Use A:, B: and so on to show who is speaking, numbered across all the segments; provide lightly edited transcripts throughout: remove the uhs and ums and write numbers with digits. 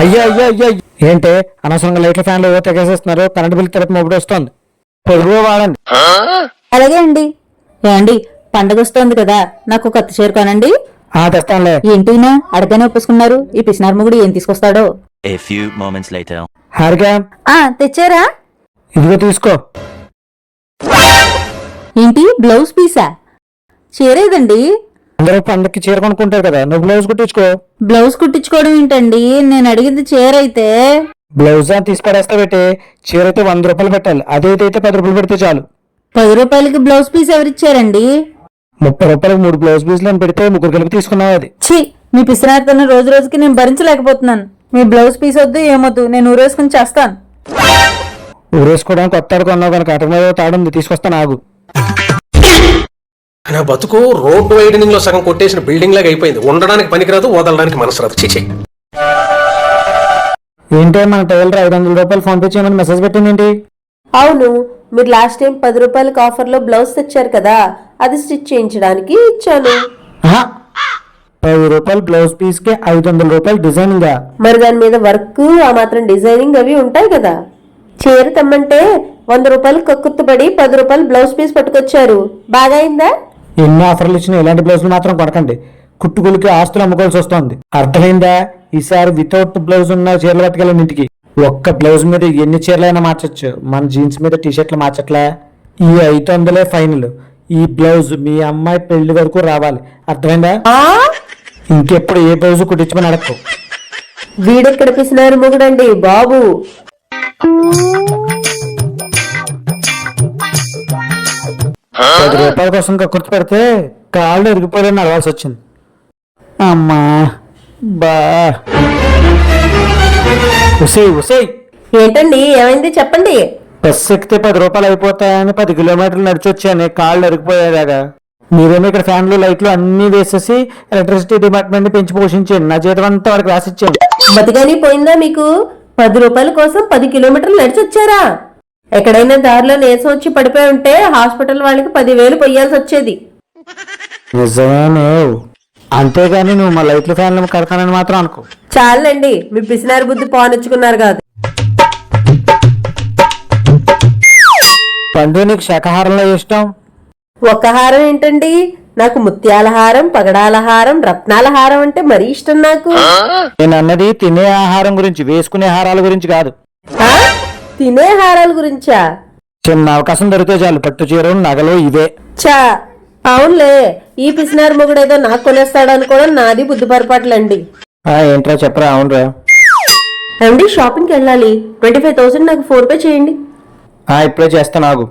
A: అయ్యా అయ్యా అయ్యా ఏంటి అనవసరంగా లైట్ల ఫ్యాన్లు తెగేసేస్తున్నారు. కరెంట్ బిల్ తిరుపతి మొబైల్ వస్తుంది. పొదుపు వాడండి.
B: అలాగే అండి. ఏమండి, పండగ వస్తోంది కదా, నాకు కొత్త చీర కొనండి.
A: తెస్తానులే.
B: ఏంటినా అడగనే ఒప్పుకున్నారు. ఈ పిసినార్ మొగుడు ఏం తీసుకొస్తాడో.
C: A few moments later.
A: Harika
B: తెచ్చారా?
A: ఇదిగో తీసుకో.
B: ఏంటి, బ్లౌజ్ పీసా? చీర ఏదండి?
A: అందరూ పండక్కి చీర కొనుక్కుంటారు కదా, నువ్వు బ్లౌజ్ కుట్టించుకో.
B: బ్లౌజ్ కుట్టించుకోవడం ఏంటండి? నేను అడిగింది చీర అయితే.
A: బ్లౌజ్ తీసి పడేస్తా పెట్టి చీర అయితే 100 రూపాయలు పెట్టాలి. అదైతే 10 రూపాయలు పెడితే చాలు.
B: 10 రూపాయలకి బ్లౌజ్ పీస్ ఎవరిచ్చారండి?
A: 30 రూపాయలకు 3 బ్లౌజ్ పీసులు అని పెడితే 3 కలిపి తీసుకున్నావు. అది
B: ఛీ, మీ పిసినారితోనే రోజు రోజుకి నేను భరించలేకపోతున్నాను. మీ బ్లౌజ్ పీస్ వద్దు, ఏమొద్దు, నేను ఊరేసుకుని చేస్తాను.
A: ఊరేసుకోవడానికి కొత్త తాడు కొన్నావు కనుక అటు మీద తాడుంది, తీసుకొస్తాను ఆగు.
D: నా బతుకు రోడ్ వైడనింగ్ లో సగం కొట్టేసిన బిల్డింగ్ లాగా అయిపోయింది. ఉండడానికి పనికిరాదు, వదలడానికి మనసు రాదు. చిచి.
A: ఏంటే మన టైలర్ 500 రూపాయలు ఫోన్ పే చేయమని మెసేజ్ పెట్టింది.
E: అవును, మీరు లాస్ట్ టైం 10 రూపాయలకి ఆఫర్ లో బ్లౌజ్ తెచ్చారు కదా, అది స్టిచ్ చేయించడానికి ఇచ్చాను.
A: 10 రూపాయలు బ్లౌజ్ పీస్ కి 500 రూపాయలు డిజైనింగ్.
E: మరి దాని మీద వర్క్, ఆ మాత్రం డిజైనింగ్ అవి ఉంటాయి కదా. చీర తెమ్మంటే 100 రూపాయలు కక్కుర్తుపడి 10 రూపాయలు బ్లౌజ్ పీస్ పట్టుకొచ్చారు. బాగా అయిందా?
A: ఎన్ని ఆఫర్లు ఇచ్చినా ఇలాంటి బ్లౌజులు మాత్రం కొనకండి. కుట్టుకులకి ఆస్తులు అమ్ముకోవాల్సి వస్తుంది. అర్థమైందా? ఈసారి వితౌట్ బ్లౌజ్ ఉన్న చీరలు పట్టుకెళ్ళండి ఇంటికి. ఒక్క బ్లౌజ్ మీద ఎన్ని చీరలైనా మార్చొచ్చు. మన జీన్స్ మీద టీషర్ట్లు మార్చట్లే. ఈ 500 ఫైనల్. ఈ బ్లౌజ్ మీ అమ్మాయి పెళ్లి వరకు రావాలి. అర్థమైందా? ఇంకెప్పుడు ఏ బ్లౌజ్ కుట్టించమని అడక్కు.
E: వీడెక్కడ పిసినారు మొగుడండి బాబు.
A: 10 రూపాయల కోసం కుర్తి పెడితే కాళ్ళు ఇరిగిపోయాలని అడగాల్సి వచ్చింది. అమ్మా బా.
E: ఏంటండి, ఏమైంది చెప్పండి.
A: బస్సు ఎక్కితే 10 రూపాయలు అయిపోతాయని 10 కిలోమీటర్లు నడిచి వచ్చాను. కాళ్ళు ఇరిగిపోయేలాగా. మీరేమో ఇక్కడ ఫ్యాన్లు లైట్లు అన్ని వేసేసి ఎలక్ట్రిసిటీ డిపార్ట్మెంట్ పెంచి పోషించండి. నా జీతం అంతా వాడికి రాసిచ్చాను.
E: బతిగాని పోయిందా మీకు? 10 రూపాయల కోసం 10 కిలోమీటర్లు నడిచి వచ్చారా? ఎక్కడైనా దారిలో నీరసం వచ్చి పడిపోయి ఉంటే హాస్పిటల్ వాళ్ళకి 10,000 పొయ్యాల్సి వచ్చేది.
A: నిజమేనే. అంతేగాని నువ్వు మా లైట్లు ఫ్యాన్లు కడతానని మాత్రం అనుకో.
E: చాలండి, మీ పిసినారి బుద్ధి పోనొచ్చుకున్నారు కాదు.
A: పండు, నీకు శాకాహారంలో ఇష్టం?
E: ఒక్క హారం ఏంటండి, నాకు ముత్యాల హారం, పగడాల హారం, రత్నాల హారం అంటే మరీ ఇష్టం నాకు.
A: నేను అన్నది తినే ఆహారం గురించి, వేసుకునే హారాల గురించి కాదు.
E: తినే హారాల గురించా?
A: చిన్న అవకాశం దొరికితే చాలు పట్టు చీరలు నగలు ఇవే.
E: చా, అవునులే. ఈ పిసినారి మొగుడు ఏదో నాకు కొనేస్తాడు అనుకోవడం నాది బుద్ధి పొరపాట్లండి.
A: ఏంట్రా చెప్పరా. అవునరా
E: అండి, షాపింగ్కి వెళ్ళాలి. 25,000 నాకు ఫోన్ పే చేయండి.
A: ఇప్పుడే చేస్తాను ఆగు.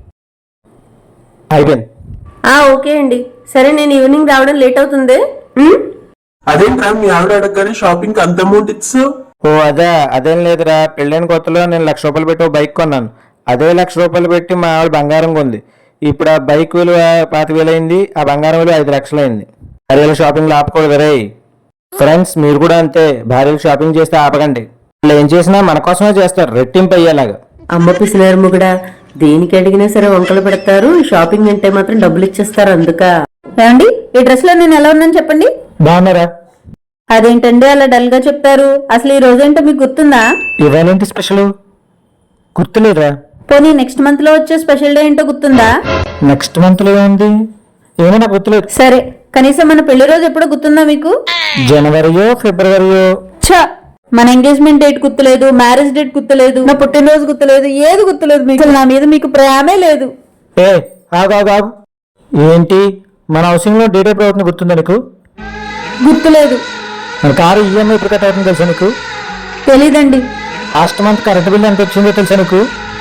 A: అయిపోయింది.
E: ఓకే అండి. సరే, నేను ఈవినింగ్ రావడం లేట్ అవుతుంది.
F: అదేంట్రా మీ ఆవిడ అడగగానే షాపింగ్ అంత అమౌంట్ ఇచ్చు?
A: అదేం లేదురా. పెళ్ళైన కొత్తలో నేను 1,00,000 రూపాయలు పెట్టి బైక్ కొన్నాను. అదే 1,00,000 రూపాయలు పెట్టి మా ఆవిడ బంగారం కొంది. ఇప్పుడు ఆ బైక్ విలువ 25,000 అయింది, ఆ బంగారం విలువ 5,00,000 అయింది. భార్యలు షాపింగ్ ఆపకూడదు రే. ఫ్రెండ్స్, మీరు కూడా అంతే. భార్యలు షాపింగ్ చేస్తే ఆపకండి. వాళ్ళు ఏం చేసినా మన కోసమే చేస్తారు, రెట్టింపు అయ్యేలాగా.
E: అమ్మ పిసినారు మొగుడా, దేనికి అడిగినా సరే వంకలు పెడతారు. షాపింగ్ అంటే మాత్రం డబ్బులు ఇచ్చేస్తారు. అందుక.
B: ఏమండి, ఈ డ్రెస్ లో నేను ఎలా ఉన్నాను చెప్పండి.
A: బాగున్నారా?
B: అదేంటండి అలా డల్ గా చెప్తారు? అసలు ఈ రోజేంటో మీకు గుర్తుందా?
A: ఇవాళేంటి స్పెషల్? గుర్తులేదురా.
B: పోనీ నెక్స్ట్ మంత్ లో వచ్చే స్పెషల్ డే ఏంటో గుర్తుందా?
A: నెక్స్ట్ మంత్ లో ఏంది? ఏమో నాకు గుర్తులేదు.
B: సరే, కనీసం మన పెళ్లి రోజు ఎప్పుడో గుర్తుందా మీకు?
A: జనవరియో ఫిబ్రవరియో.
B: మన ఎంగేజ్మెంట్ డేట్ గుర్తులేదు, మ్యారేజ్ డేట్ గుర్తులేదు, నా పుట్టినరోజు గుర్తులేదు, ఏది గుర్తులేదు మీకు. నా మీద మీకు ప్రేమే లేదు.
A: ఆగు. ఏంటి, మన హౌసింగ్ లో డేట్ ఎప్పుడు అవుతుంది గుర్తుందా నీకు?
B: గుర్తులేదు.
A: మన కారు ఈఎంఐ ఎప్పుడు కట్ అవుతుంది తెలుసా నీకు?
B: తెలీదండి.
A: లాస్ట్ మంత్ కరెంట్ బిల్ ఎంత వచ్చిందో తెలుసా నీకు?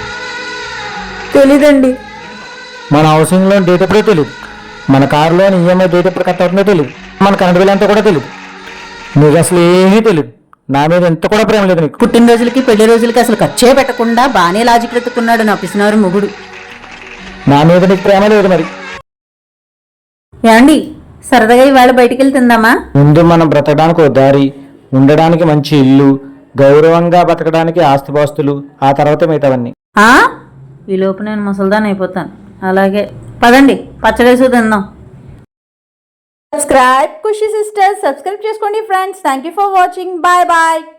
B: తెలీదండి.
A: మన హౌసింగ్ లోన్ డేట్ ఎప్పుడో తెలియదు. మన కారులో ఈఎంఐ డేట్ ఎప్పుడు కట్ అవుతుందో తెలియదు. మన కరెంట్ బిల్ అంతా కూడా తెలియదు. నీకు అసలు ఏమీ తెలియదు. నా మీద ఎంత కూడా ప్రేమ లేదు నీకు.
B: పుట్టినరోజులకి పెళ్లి రోజులకి అసలు ఖర్చే పెట్టకుండా బానే లాజిక్ ఎత్తుకున్నాడు నా పిసినారు మొగుడు.
A: నా మీద నీకు ప్రేమ లేదు మరి.
B: ఏమండి, సరదాగా ఇవాళ బయటికి వెళ్ళి తిందామా?
A: ముందు మనం బ్రతకడానికి ఒక దారి, ఉండడానికి మంచి ఇల్లు, గౌరవంగా బతకడానికి ఆస్తిపాస్తులు, ఆ తర్వాత మిగతావన్నీ.
B: ఈ లోపు నేను ముసల్దాన్ అయిపోతాను. అలాగే పదండి, పచ్చడేసి తిందాం. సబ్స్క్రైబ్ ఖుషి సిస్టర్స్, సబ్స్క్రైబ్ చేసుకోండి friends. Thank you for watching. Bye bye.